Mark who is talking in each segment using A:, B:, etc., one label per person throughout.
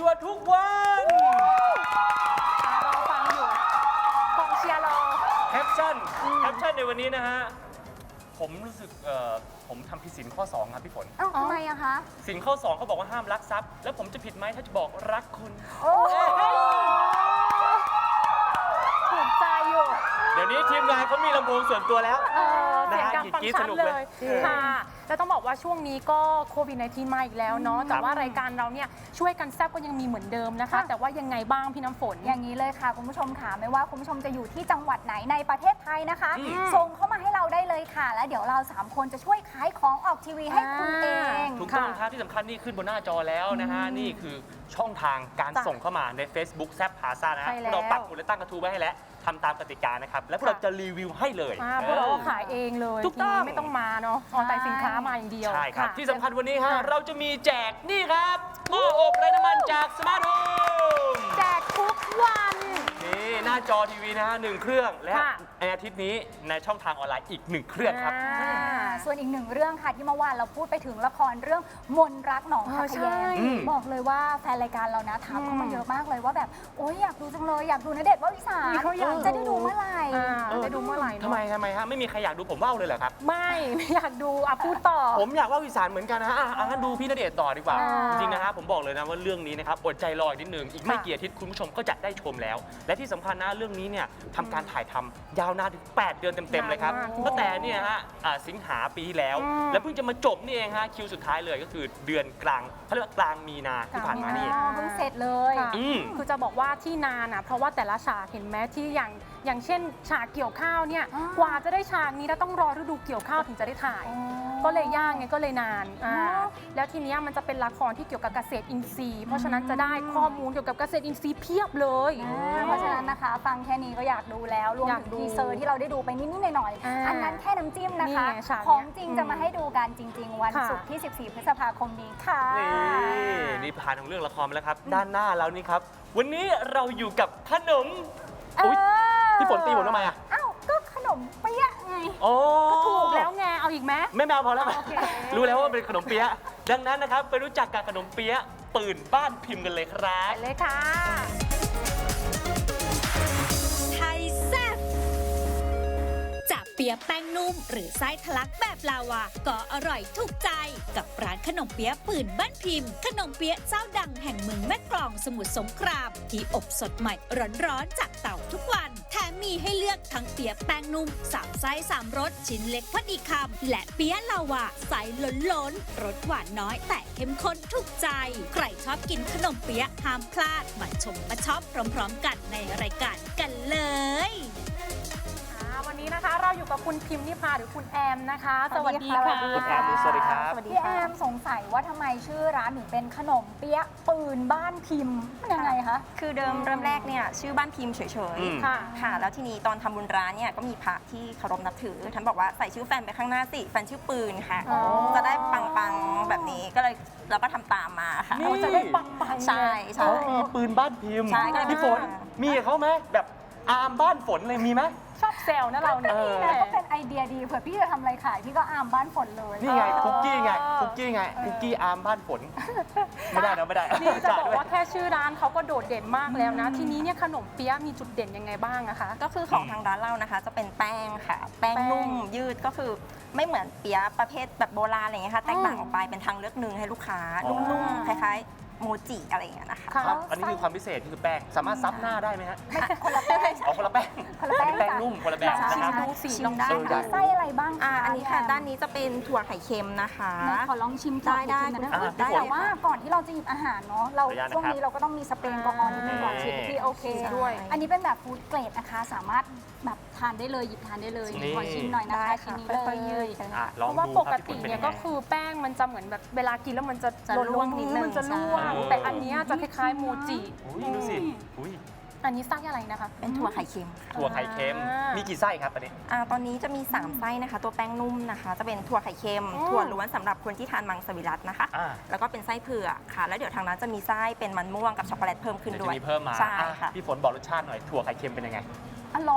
A: ทุกวัน
B: รอฟังอยู่กองเชียร์รอ
A: แคปชั่นในวันนี้นะฮะผมรู้สึกผมทำผิดศีลข้อ 2 ครับพี่ฝน
C: ทำไมอะคะ
A: ศีลข้อ 2เขาบอกว่าห้ามลักทรัพย์แล้วผมจะผิดไหมถ้าจะบอกรักคุณ
B: ถูกใจอยู่
A: เดี๋ยวนี้ทีมงานเขามีลำโพงส่วนตัวแล้ว
B: เสียงดังฟังชัดเลยค่ะ แล้วต้องบอกว่าช่วงนี้ก็โควิด-19 มาอีกแล้วเนาะแต่ว่ารายการเราเนี่ยช่วยกันแซ่บก็ยังมีเหมือนเดิมนะคะ แต่ว่ายังไงบ้างพี่น้ำฝน
C: อย่างนี้เลยค่ะคุณผู้ชมค่ะไม่ว่าคุณผู้ชมจะอยู่ที่จังหวัดไหนในประเทศไทยนะคะส่งเข้ามาให้เราได้เลยค่ะแล้วเดี๋ยวเรา3คนจะช่วยขายของออกทีวีให้คุณเอง
A: ถูกต้องครับที่สำคัญนี่ขึ้นบนหน้าจอแล้วนะฮะนี่คือช่องทางการส่งเข้ามาใน Facebook แซ่บพาซ่านะเราปักหมุดและตั้งกระทู้ไว้ให้แล้วทำตามกติกานะครับแล้วพวกเราจะรีวิวให้เลย
B: พวกเราก็ขายเองเลย
A: ทุกต้อง
B: ไม่ต้องมาเนาะออนไลน์สินค้ามาอย่างเดียว
A: ใช่ครับที่สำคัญวันนี้ฮะเราจะมีแจกนี่ครับหม้ออบไร้น้ำมันจากสมาร์ทโฮม
B: แจกทุกวัน
A: นี่หน้าจอทีวีนะฮะ1 เครื่องและในอาทิตย์นี้ในช่องทางออนไลน์อีก1 เครื่องครับ
C: ส่วนอีก1 เรื่องค่ะที่เมื่อวานเราพูดไปถึงละครเรื่องมนรักหนองคายแยมบอกเลยว่าแฟนรายการเรานะถามเข้ามาเยอะมากเลยว่าแบบโอ๊ยอยากดูจังเลยอยากดูณเดชน์ วลิสาจะได้ดูเมื่อไหร่
B: จะดูเมื่อไหร่
A: ทำไมฮะไม่มีใครอยากดูผมว่าวเลยเหรอครับ
B: ไม่อยากดูพูดต่อ
A: ผมอยากว่าวอีสานเหมือนกันนะฮะงั้นดูพี่ณเดชน์ต่อดีกว่าจริงๆนะฮะผมบอกเลยนะว่าเรื่องนี้นะครับอดใจรออีกนิดนึงอีกไม่กี่อาทิตย์คุณผู้ชมก็จะได้ชมแล้วและที่สำคัญนะเรื่องนี้เนี่ยทำการถ่ายทำยาวนานถึง8 เดือนเต็มๆเลยครับตั้งแต่เนี่ยฮะสิงหาปีที่แล้วแล้วเพิ่งจะมาจบนี่เองฮะคิวสุดท้ายเลยก็คือเดือนกลางเขาเรียกว่ากลางมีนาที่ผ่านมานี่
C: เพิ่งเสร็จเลย
B: คือจะบอกว่าที่นานเพราะว่าแต่ละฉากเห็นไหมที่อย่างเช่นฉากเกี่ยวข้าวเนี่ยกว่าจะได้ฉากนี้แล้วต้องรอฤดูเกี่ยวข้าวถึงจะได้ถ่ายก็เลยยากไงก็เลยนานแล้วทีนี้มันจะเป็นละครที่เกี่ยวกับเกษตรอินทรีย์เพราะฉะนั้นจะได้ข้อมูลเกี่ยวกับเกษตรอินทรีย์เพียบเลย
C: เพราะฉะนั้นนะคะฟังแค่นี้ก็อยากดูแล้วรวมถึงทีเซอร์ที่เราได้ดูไปนิดๆหน่อยๆอันนั้นแค่น้ำจิ้มนะคะของจริงจะมาให้ดูกันจริงๆวันศุกร์ที่14 พฤษภาคมนี้ค่ะ
A: นี่ผ่านของเรื่องละครมาแล้วครับด้านหน้าเรานี่ครับวันนี้เราอยู่กับขนมพี่ฝนตีผมทำไมอ่ะ
C: อ้าวก็ขนมเปี๊ยะไง
B: ก็ถูกแล้วไงเอาอีกไหม
A: ไม่เอาพอแล้วรู้แล้วว่าเป็นขนมเปี๊ยะดังนั้นนะครับไปรู้จักกับขนมเปี๊ยะปืนบ้านพิมพ์กันเลยครับ
B: เลยค่ะ
D: ไทยแซ่บจากเปี๊ยะแป้งนุ่มหรือไส้ทะลักแบบลาวาก็อร่อยถูกใจกับร้านขนมเปี๊ยะปืนบ้านพิมพ์ขนมเปี๊ยะเจ้าดังแห่งเมืองแม่กลองสมุทรสงครามที่อบสดใหม่ร้อนๆจากเตาทุกวันแถมมีให้เลือกทั้งเปี๊ยะแป้งนุ่ม3 ไส้3 รสชิ้นเล็กพอดีคำและเปี๊ยะลาวาไส้ล้นๆรสหวานน้อยแต่เข้มข้นถูกใจใครชอบกินขนมเปี๊ยะห้ามพลาดมาชมมาช็อปพร้อมๆกันในรายการกันเลย
B: วันนี้นะคะเราอยู่กับคุณพิมพ์นิพาหรือคุณแอมนะคะสวัสดีค่ะ
A: คุณแอมสวัสดีครับ
C: พี่แอมสงสัยว่าทำไมชื่อร้านถึงเป็นขนมเปี๊ยะปืนบ้านพิมพ์มันยังไงคะ
E: คือเริ่มแรกเนี่ยชื่อบ้านพิมพ์เฉยๆค่ะแล้วทีนี้ตอนทำบุญร้านเนี่ยก็มีพระที่เคารพนับถือท่านบอกว่าใส่ชื่อแฟนไปข้างหน้าสิแฟนชื่อปืนค่ะจะได้ปังๆแบบนี้ก็เลยเราก็ทำตามมาค่ะ
B: จะได้ปังๆ
E: ใช่
A: มีปืนบ้านพิมพ์
E: ใช่
A: พี่ฝนมีเขาไหมแบบอาร์มบ้านฝนเลยมีไหม
B: ชอบแซวนะเราเนี่ย
C: ก็เป็นไอเดียดีเผื่อพี่จะทำอะไรขายพี่ก็อาร์มบ้านฝนเลย
A: นี่ไงคุกกี้อาร์มบ้านฝนไม่ได้
B: นี่จะบอกว่าแค่ชื่อร้านเขาก็โดดเด่นมากแล้วนะทีนี้เนี่ยขนมเปี๊ยะมีจุดเด่นยังไงบ้างอะคะ
E: ก็คือของทางร้านเรานะคะจะเป็นแป้งค่ะแป้งนุ่มยืดก็คือไม่เหมือนเปี๊ยะประเภทแบบโบราณอะไรเงี้ยค่ะแตกต่างออกไปเป็นทางเลือกหนึ่งให้ลูกค้านุ่มๆคล้ายโมจิอะไรอย่างเงี้ยนะคะ
A: อันนี้คือความพิเศษคือแป้งสามารถซับหน้าได้ไหมฮะ
C: คนละแป้ง
A: คนละแป้งแป้งนุ่มคนละแบบนะครับ
B: ดูสีลองได้
C: ไส้อะไรบ้าง
E: อันนี้ค่ะด้านนี้จะเป็นถั่วไข่เค็มนะคะ
C: ขอลองชิมได้แต่ว่าก่อนที่เราจะหยิบอาหารเนาะเราช่วงนี้เราก็ต้องมีสเปรย์แอลกอฮอล์นิดนึงก่อนชิมที่โอเคด้วยอันนี้เป็นแบบฟู้ดเกรดนะคะสามารถแบบทานได้เลยหยิบทานได้เลยขอชิมหน่อยนะคะชิ้นนี้เลย
B: เพราะว่าปกติเนี่ยก็คือแป้งมันจะเหมือนแบบเวลากินแล้วมันจะร่วงนิดนึงมันจะร่วงแต่อันนี้จะคล้ายๆโมจิ
A: ดูสิ
B: อันนี้ไส้อะไรนะคะ
E: เป็นถั่วไข่เค็ม
A: ถั่วไข่เค็มมีกี่ไส้ครับอันนี้
E: ตอนนี้จะมี3ไส้นะคะตัวแป้งนุ่มนะคะจะเป็นถั่วไข่เค็มถั่วล้วนสำหรับคนที่ทานมังสวิรัตินะคะแล้วก็เป็นไส้เผือกค่ะแล้วเดี๋ยวทางนั้นจะมีไส้เป็นมันม่วงกับช็อกโกแลตเพิ่มขึ้นด้วย
A: จะมีเพิ่มมา
E: ใช่ค่ะ
A: พี่ฝนบอกรสชาติหน่อยถั่วไข่เค็มเป็นยังไง
C: อร่อย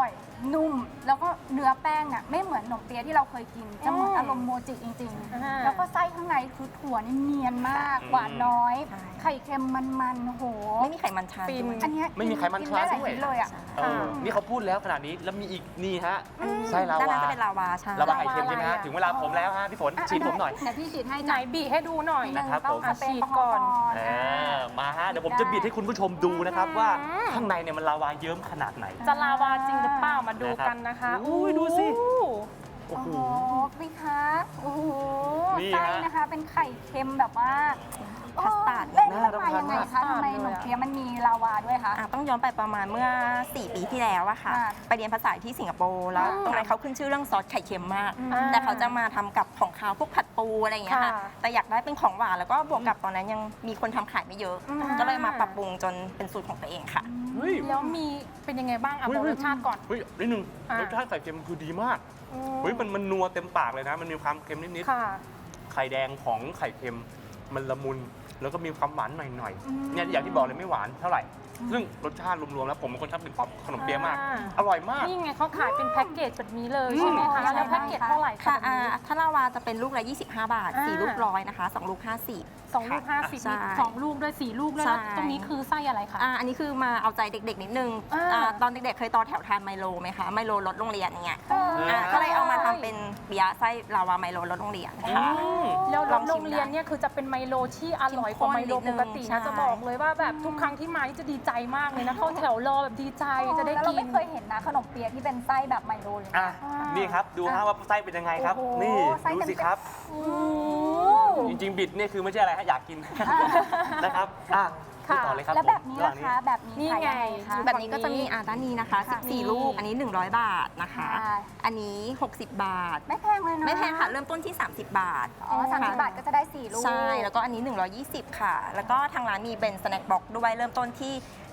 C: นุ่ม แล้วก็เนื้อแป้งอ่ะไม่เหมือนขนมเปี๊ยะที่เราเคยกินจะเหมือนอารมณ์โมจิจริง ๆ แล้วก็ไส้ข้างในคือถั่วนี่เนียนมากหวานน้อย
E: ใช่
C: ไข่เค็มมันๆโอ้โห
E: ไม่มีไขมันทราน
B: ฟิน
E: ด้วย
C: อันเนี้ย
A: ไม่มีไขมัน
C: กิ
A: ทราน
C: ได้หลาย
A: ด้วย
C: ชิ้นเลยอ่ะ
A: นี่เขาพูดแล้วขนาดนี้แล้วมีอีกนี่ฮะไส้ลา
E: ด้าน
A: วา
E: นั้นจะเป็นลาวาใช่
A: ลาวาไข่เค็มใช่ไหมฮะ
B: อะไรอะ
A: ถึงเวลาผมแล้วฮะพี่ฝนฉีดผมหน่อย
C: เดี๋ยวพี่ฉีดให้
B: ไหนบีให้ดูหน่อย
C: หนึ่ง
A: นะครับ
C: ต้อง
A: ผม
C: สเปรย์
B: ฉีด
C: แอลกอฮอล์
B: ก่อน
A: มาฮะเดี๋ยวผมจะบิดให้คุณผู้ชมดูนะครับว่าข้างในเนี่ยมันลาวาเยิ้มขนาดไหน
B: จะลาวาจริงหรือเปล่ามาดูกันนะคะ
A: อุ้ยดูสิ โอ้
C: โอ้
A: โห
C: โหพี่คะโอ้โห
A: นี่
C: ไส้
A: ฮะ
C: นะคะเป็นไข่เค็มแบบว่า
E: คัสตาร์ด
C: เอ๊ะ
A: น่า
C: มัน
A: รับ
C: มา
A: ประทาน
C: ยังไง
A: มาก
C: คะทำไมขนมเปี๊ยะมันมีลาวาด้วยคะ
E: ต้องย้อนไปประมาณเมื่อ 4 ปีที่แล้วอะค่ะ
C: ค่ะ
E: ไปเรียนภาษาที่สิงคโปร์แล้วตรงนั้นเขาขึ้นชื่อเรื่องซอสไข่เค็มมาก
B: อ่า
E: แต่เขาจะมาทำกับของคาวพวกผัดปูอะไรอย่างเงี้ยค่ะ
B: ค่ะ
E: แต่อยากได้เป็นของหวานแล้วก็บวกกับตอนนั้นยังมีคนทำขายไม่เยอะ ก็เลยมาปรับปรุงจนเป็นสูตรของตัวเองค่ะ
A: เฮ้ย
B: แล้วมีเป็นยังไงบ้างอ่ะบอกรสชาติก่อน
A: เฮ้ยนิดนึง
B: อ่ะ
A: รสชาติไข่เค็มคือดีมากเฮ้ยมันนัวเต็มปากเลยนะ มันมีความเค็มนิด
B: ค่ะ
A: ๆไข่แดงของไข่เค็มมันละมุนแล้วก็มีความหวานหน่อยๆเนี่ยอย่างที่บอกเลยไม่หวานเท่าไหร่ ซึ่งรสชาติรวมๆแล้วผมเป็นคนชอบกินป๊อปขนมเปี๊ยะมาก อร่อยมาก
B: นี่ไงเขาขายเป็นแพ็กเกจแบบนี้เลยใช่ไหมคะ แล้วแพ็กเกจเท่าไหร่
E: ค่ะ
B: คะแบบนี้
E: ถ้าลาวาจะเป็นลูกละ 25 บาท
B: อ่า
E: 4 ลูกร้อยนะคะ 2 ลูก 50
B: 2 ลูก 50
E: ใช่
B: สองลูกด้วย4 ลูกด้วย
E: ใช่
B: แล้วตรงนี้คือไส้อะไรคะ
E: อันนี้คือมาเอาใจเด็กๆนิดนึง ตอนเด็กๆเคยต่อแถวทานไมโลไหมคะ ไมโลรถโรงเรียนอย่างเงี้ย ก็เลยเอามาทำเป็นเบียร์ไส้ลาวาไมโลรถโรงเรียนค่ะ
B: แล้ว
E: ลองชิม
B: โรงเรียนเนี่ยคือจะเป็นไมโลที่อร่อยกว่าไมโลปกติ
E: ใช่
B: นะจะบอกเลยว่าแบบทุกครั้งที่มานี่จะดีใจมากเลยนะเข้าแถวรอแบบดีใจจะได้
C: แล้วเรา
B: กิน
C: ไม่เคยเห็นนะขนมเปี๊ยะที่เป็นไส้แบบไมโลเลยนะ
A: อ่ะนี่ครับดูฮะว่าไส้เป็นยังไงครับ
C: โอ้โห
A: นี่
C: ไส้
A: ดู
C: เต็ม
A: สิครับ
B: โอ้
A: จริงๆบิดเนี่ยคือไม่ใช่อะไรฮะอยากกินนะครับดูต่อเลยครับ
C: แล้วแบบนี้
A: ผม
C: ล่ะคะแบบนี้
B: นี่
C: ขาย
B: ไง
C: ยังไงคะ
E: แบบนี้ก็จะมีด้านนี้นะคะ
C: ค่ะ
E: 14 ลูก อันนี้ 100 บาทนะคะ
C: ค่ะ
E: อันนี้ 60 บาท
C: ไม่แพงเลยนะ
E: ไม่แพงค่ะ เริ่มต้นที่ 30 บาท
C: อ๋อ30 บาทก็จะได้4ลูก
E: ใช่ แล้วก็อันนี้ 120 ค่ะ แล้วก็ทางร้านมีเป็นสแน็คบ็อกด้วย เริ่มต้นที่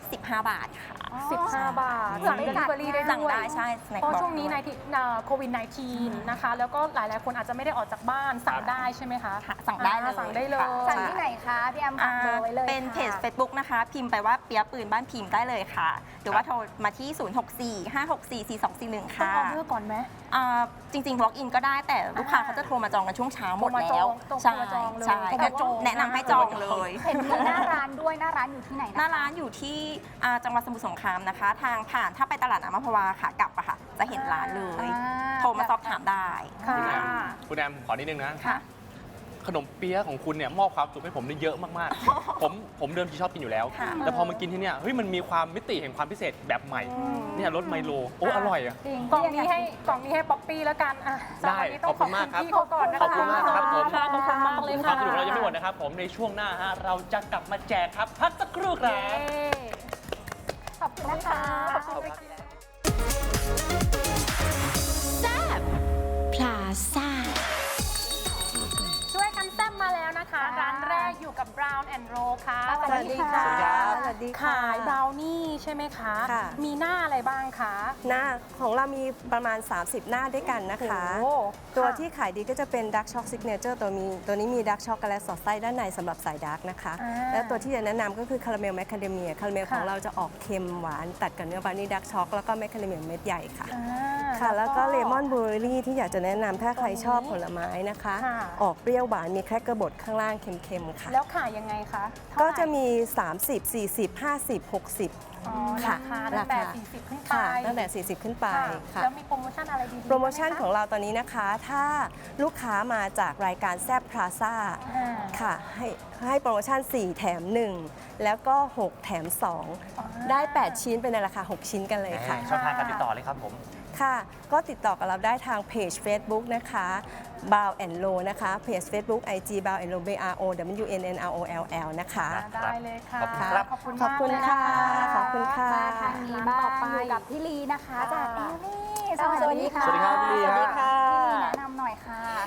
E: 15 บาทค่ะ
B: 15 บาท สั่งเดลิเวอรี่ได้
E: สั่ง
B: ด้วย
E: ได้ใช่สแน็ค
B: เพ
E: บ็อก
B: ราะช่วงนี้ในโควิด -19 นะคะ แล้วก็หลายๆ คนอาจจะไม่ได้ออกจากบ้านสั่งได้ใช่ไหมคะ
E: สั่งได้เลย
B: สั่งได้เลย
E: ค่ะ
C: สั่งที่ไหนคะพี่แอมฝากเบอร์ไว้เลย
E: เป็นเพจ
C: ค่ะ
E: Facebook นะคะ พิมพ์ไปว่าเปียะปืนบ้านพิมพ์ได้เลยค่ะ หรือว่าโทรมาที่ 0645644241
B: ต้อง
E: ค่ะ
B: ออเดอร์ก่อนไหม
E: จริงๆ walk in ก็ได้แต่ลูกค้าเขาจะโทรมาจองกันช่วงเช้าหมด
B: โทรมาจ
E: แล้
B: อ
E: ว
B: งโทร
E: ใช่
B: มาจองเลย
E: ใช่
B: โทรมาจอง
E: แนะนำให้จองเลย
C: เห็นมีหน้าร้านด้วยหน้าร้านอยู่ที่ไหน
E: ห
C: นะ
E: น้าร้านอยู่ที่จังหวัดสมุทรสงครามนะคะ ทางผ่านถ้าไปตลาดน้ำอัมพวาค่ะกลับอะค่ะ จะเห็นร้านเลย โทรมาสอบถามได้
B: ค่ะ
A: คุณแอมขอนิดนึงนะ
E: ค่ะ
A: ขนมเปี๊ยะของคุณเนี่ยมอบความสุขให้ผมได้เยอะมากๆ ผมเดิมทีชอบกินอยู่แล้ว
E: ค่ะ
A: แต่พอมากินที่เนี่ยเฮ้ยมันมีความมิติแห่งความพิเศษแบบใหม่ เนี่ยรสไมโลโอ้อร่อยอ่ะ
C: จริง
B: กล่องนี้ให้ป๊อปปี้แล้วกันอ่ะ
A: ได้
B: สำหรับวันนี้ต้อง
A: ขอบคุณมากครับ
B: พี่เขาก่อนนะคะ
A: ขอบคุณมากครับผม
B: ขอบคุณมากเลย
A: ควา
B: ค่ะ
A: มสนุกเรายังไม่หมดนะครับผมในช่วงหน้าฮะเราจะกลับมาแจกครับพักสักครู่ครับ
C: ขอบคุณนะคะ
B: ขอบคุณค่ะ
D: พลาซ่า
B: ช่วยกันแซ่บมาแล้วนะคะ ร้านแรกอยู่กับ Brown and Roll ค่ะ
C: สวัสดีค่ะ
B: สวัสดีค่ะขายบราวนี่ใช่ไหมคะ
F: ค่ะ
B: มีหน้าอะไรบ้างคะ
F: หน้าของเรามีประมาณ 30 หน้าด้วยกันนะคะ
B: โอ้
F: ตัว
B: ค่ะ
F: ที่ขายดีก็จะเป็น Dark Choc Signature ตัวนี้มี Dark Chocolate สอดไส้ด้านในสำหรับสายดาร์กนะคะ
B: อ่า
F: และตัวที่จะแนะนำก็คือคาราเมลแมคคาเดเมียคาราเมล
B: ค่ะ
F: ของเราจะออกเค็มหวานตัดกับเนื้อบราวนี่ดาร์กช็อกแล้วก็แมคคาเดเมียเม็ดใหญ่ค่ะ
B: อ่า
F: ค่ะ แล้วก็เลมอนบลูเบอร์รี่ที่อยากจะแนะนำถ้าใครชอบผลไม้นะคะ
B: ค่ะ
F: ออกเปรี้ยวหวานมีแครกเกอร์บดข้างล่างเค็มๆค่ะ
B: แล้วขายยังไงคะเท่า
F: ก็
B: ไหร่
F: จะมี 30 40 50 60
B: อ๋อ
F: ค่ะ
B: ราคาตั้งแต่40ขึ้นไป
F: ค่ะตั้งแต่ 40 ขึ้นไป
B: ค่ะ
F: ค่ะ
B: แล้วมีโปรโมชั่นอะไรดีๆ
F: โปรโมชั่น
B: ไห
F: ของเราตอนนี้นะคะ ถ้าลูกค้ามาจากรายการแซบพลาซ่า
B: อ่า
F: ค่ะให้โปรโมชั่น 4 แถม 1 แล้วก็ 6 แถม 2 ได้ 8 ชิ้นเป็นในราคา 6 ชิ้นกันเลยค่ะ
A: ช่องทางการติดต่อเลยครับผม
F: ค่ะ ก็ติดต่อกับเราได้ทางเพจ Facebook นะคะ Bow and Roll นะคะ เพจ Facebook IG Bow and Roll BROWNNROLL นะคะ
B: ได้เลยค่ะ
A: ขอบคุณครับ
B: ขอบคุณ
F: ขอบคุณ
B: มากเลย
F: ค่ะ
B: น
F: ขอบคุณค่ะ
C: มาทางนี้บ้างอยู่กับพี่ลีนะคะจากเอมี่สวัสดีค่ะ
A: สวัสดีครับพี่ลี
C: สวัสดี
A: ครั
C: ค่ะ
A: บ
C: พี่ลีแนะนำหน่อยค่ะ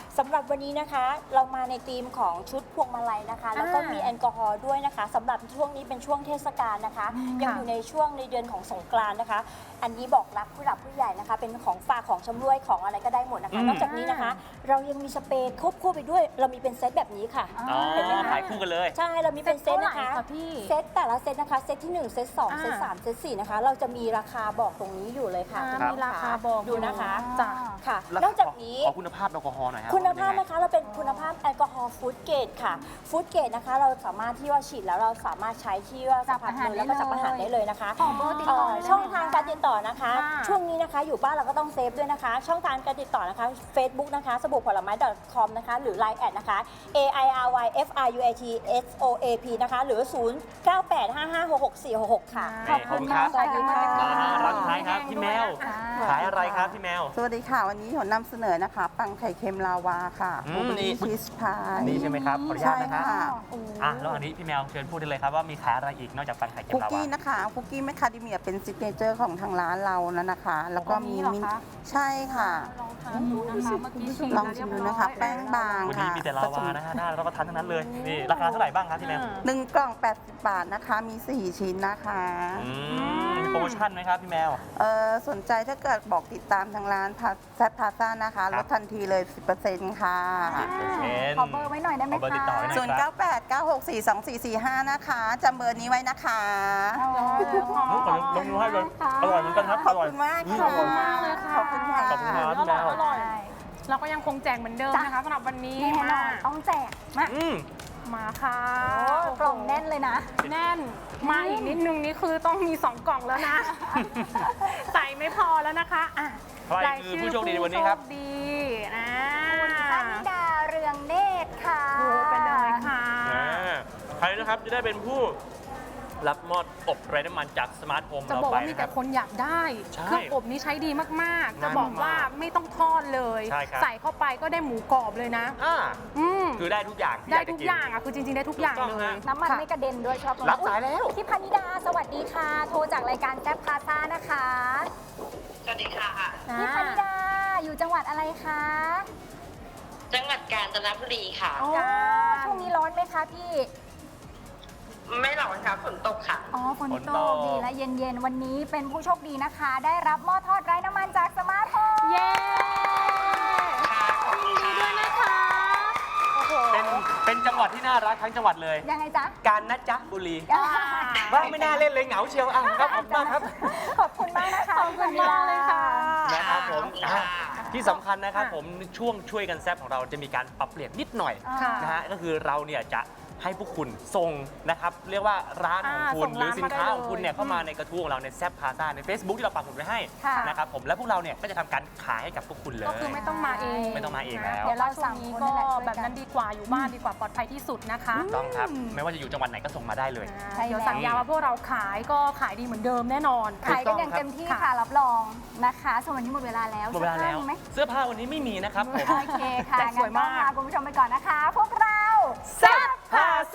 G: สำหรับวันนี้นะคะเรามาในธีมของชุดพวงมาลัยนะคะ แล้วก็มีแอลกอฮอล์ด้วยนะคะสำหรับช่วงนี้เป็นช่วงเทศกาลนะคะ ยังอยู่ในช่วงในเดือนของสงกรานต์นะคะ อันนี้บอกรักผู้หลักผู้ใหญ่นะคะ เป็นของฝากของชำร่วยของอะไรก็ได้หมดนะคะ นอกจากนี้นะคะ เรายังมีสเปรย์ควบคู่ไปด้วย เรามีเป็นเซตแบบนี้ค่ะ
A: อ๋อ
G: เห็นไหมคะ
A: ขายคู่กันเลย
G: ใช่เรามีเป็นเซตนะคะ
B: เท่าไหร่คะพี่
G: เซตแต่ละเซตนะคะเซตที่1เซต2เซต3เซต4นะคะเราจะมีราคาบอกตรงนี้อยู่เลยค่ะ
B: มีราคาบอก
G: ดูนะคะ
B: จ้ะ
G: ค่ะ
A: แล้ว
G: นอกจากนี้
A: ขอคุณภาพแอลกอฮอล์หน่อยฮะ
G: คุณภาพ
A: เป็นยังไง
G: นะคะเราเป็นคุณภาพแอลกอฮอล์ฟู้ดเกรดค่ะฟู้ดเกรดนะคะเราสามารถที่ว่าฉีดแล้วเราสามารถใช้ที่ว่าสัมผัสมือแล้วก็จับอาหารได้เลยนะคะ
C: ขอเบอร์ติดต่อได้ไหม
G: ช่องทางการติดต่อนะคะ
B: ค่ะ
G: ช่วงนี้นะคะอยู่บ้านเราก็ต้องเซฟด้วยนะคะ ช่องทางการติดต่อนะคะ Facebook นะคะสบู่ผลไม้ .com นะคะหรือ Line แอดนะคะ AIRYFRUATSOAP นะคะหรือ 0985566466 ค่ะ
A: ขอบคุณครับ
C: สวัสดีค่ะ
A: ร้านสุดท้ายครับพี่แมว ขายอะไรครับพี่แมว
H: สวัสดีค่ะ วันนี้หนนำเสนอนะคะ ปังไข่เค็มลาวาค่ะ
A: อืมนี่
H: ชีสพาย
A: นี่ใช่ไหมครับขออนุญา
H: ใช่
A: ตนะครับ
H: ค่ะ
A: แล้วอันนี้พี่แมวเชิญพูดได้เลยครับว่ามีขายอะไรอีกนอกจากปังไข่เค็ม
H: คุก
A: ลาวา
H: กี้นะคะคุกกี้แมคคาเดเมียเป็นซิกเนเจอร์ของทางร้านเรานะนะคะ แล้วก็มี
B: อันนี้เหรอ
H: มิ้น
B: คะ
H: ใช่ค่ะ
B: ลองทานดูนะคะเมื่อกี้ชิม
H: ลองชิมดูนะคะ แป้งบาง
A: วัน
H: ค่ะ
A: นี้มีแต่ลาวานะฮะน่ารับประทานทั้งนั้นเลย นี่ราคาเท่าไหร่บ้างครับพี่แมว
H: 1 กล่อง 80 บาทนะคะ มี 4 ชิ้นนะคะ
A: มีโปรโมชั่นไหมครับพี่แมว
H: สนใจถ้าเกิดบอกติดตามทางร้านแซดพาซ่านะคะ
A: ค
H: ล
A: รับ
H: ดทันทีเลย 10%ค่ะ
G: ขอเบอร์ไว้หน่อยได้ไหม
A: ขอเบอร์ติดต่อ
G: คะ
A: ไว้หน่อยครับ
H: 0989642445 นะคะจำเบอร์นี้ไว้นะคะ
A: ขอลงมือให้เลยอร่อยเหมือนกันครับ
H: ข
A: อ
H: อบ
A: ร่อย
H: คุณมาก
B: ขอบคุณมากเลยค่ะ
H: ขอบคุณค่ะ
A: ขอบคุณครับ
B: อร่อยอร่อยเราก็ยังคงแจกเหมือนเดิมนะคะสำหรับวันนี้
C: แน่นอนต้องแจกมา
B: มาค่ะ
C: โอ้กล่องแน่นเลยนะ
B: แน่นมาอีกนิดนึงนี่คือต้องมี 2 กล่องแล้วนะ ใส่ไม่พอแล้วนะคะอ่ะ
A: ใครคือผู้โชคดีในวันนี้ครับ
B: ผู้โชดีนะ
C: คุณพนิดาเรืองเนตรค่ะ
B: โอ้ไปเลยค่ะ
A: ใครนะครับจะได้เป็นผู้รับมอบอบไร้น้ำมันจากสมาร์ทโฮม
B: จะ
A: เรา
B: บอก
A: ไป
B: ว่ามี
A: นะค
B: แต่
A: รับ
B: คนอยากได้
A: ใช่
B: เครื่องอบนี้ใช้ดีมากๆ จะบอกว่าไม่ต้องทอดเลย
A: ใช่ครับ
B: ใส่เข้าไปก็ได้หมูกรอบเลยนะ อืม
A: คือได้ทุกอย่างที่
B: ได้
A: ยา
B: ทุก
A: จะน
B: อย่างอ่ะคือจริงๆได้ทุกอย่าง
A: ถูกต้อง
B: เลย
A: ฮะ
C: น้ำมัน
B: ค่ะ
C: ไม่กระเด็นด้วยชอบ
A: รับสายแล้ว
C: พี่พนิดาสวัสดีค่ะ โทรจากรายการแซ่บพาซ่านะคะ
I: สวัสดีค่ะ
C: พี่พนิดาอยู่จังหวัดอะไรคะ
I: จังหวัดกาญจนบุรีค่ะ
B: โอ้
C: ช่วงนี้ร้อนไหมคะพี่
I: ไม่ร้อนค่ะฝนตกค่ะ
C: อ๋อฝน
A: ฝน
C: ต
A: ต
C: ก
A: ก
C: ดีและเย็นๆ วันนี้เป็นผู้โชคดีนะคะ ได้รับหม้อทอดไร้น้ำมันจากสมาร์ทโฮม
B: เย้
I: ค่ะขอบคุณค่ะ
B: ด้วยนะคะโอ้โห
A: เป็นจังหวัดที่น่ารักทั้งจังหวัดเลย
C: ยังไงจ๊ะ
A: กาญจนบุรีว่าไม่น่าเล่นเลยเหงาเชียวครับขอบคุณมากครับ
C: ขอบคุณมากนะคะ
B: ขอบคุณมากเลยค่ะ
A: นะครับผม
I: ค่ะ
A: ที่สำคัญนะครับ
B: ค่ะ
A: ผมช่วงช่วยกันแซบของเราจะมีการปรับเปลี่ยนนิดหน่อย
B: ค่ะ
A: นะฮะก็คือเราเนี่ยจะให้พวกคุณส่งนะครับเรียกว่าร้านของคุณ
B: ส่ง
A: หรือ
B: ร้าน
A: สินค้า
B: มาได้
A: ของคุณเนี่ย
B: เลย
A: เข้ามาในกระทู้ของเราในแซบพาซ่าใน Facebook ที่เราปักหมุดไว้ให้
C: ค่ะ
A: นะครับผมและพวกเราเนี่ยก็จะทำการขายให้กับพวกคุณเลย
B: ก็คือไม่ต้องมาเอง
A: ไม่ต้องมาเองแล้ว
B: เดี๋ยวเราช่วงนี้ก็
C: ช่วยกัน
B: แบบนั้นดีกว่าอยู่บ้านดีกว่าปลอดภัยที่สุดนะคะ
A: ถูกต้องครับ ไม่ว่าจะอยู่จังหวัดไหนก็ส่งมาได้เลย
C: ใช่
B: เดี๋ยว
C: แล้ว
B: สัญญาว่าพวกเราขายก็ขายดีเหมือนเดิมแน่นอน
C: ขายกันอย่างเต็มที่
B: ค่ะ
C: ค่ะ รับรองนะคะส่วนวันนี้หมดเวลาแล้ว
A: หมดเวลาแล้ว
C: สื้อผ้มีไหม
A: เสื้อผ้าวันนี้ไม่มีนะครับผม
C: โอเคค่ะ
B: แต่สวย
C: งั้น
B: มาก
C: ต้องลาคุณผู้ชมไปก่อนนะคะ พวกเรา
A: แซ่บพา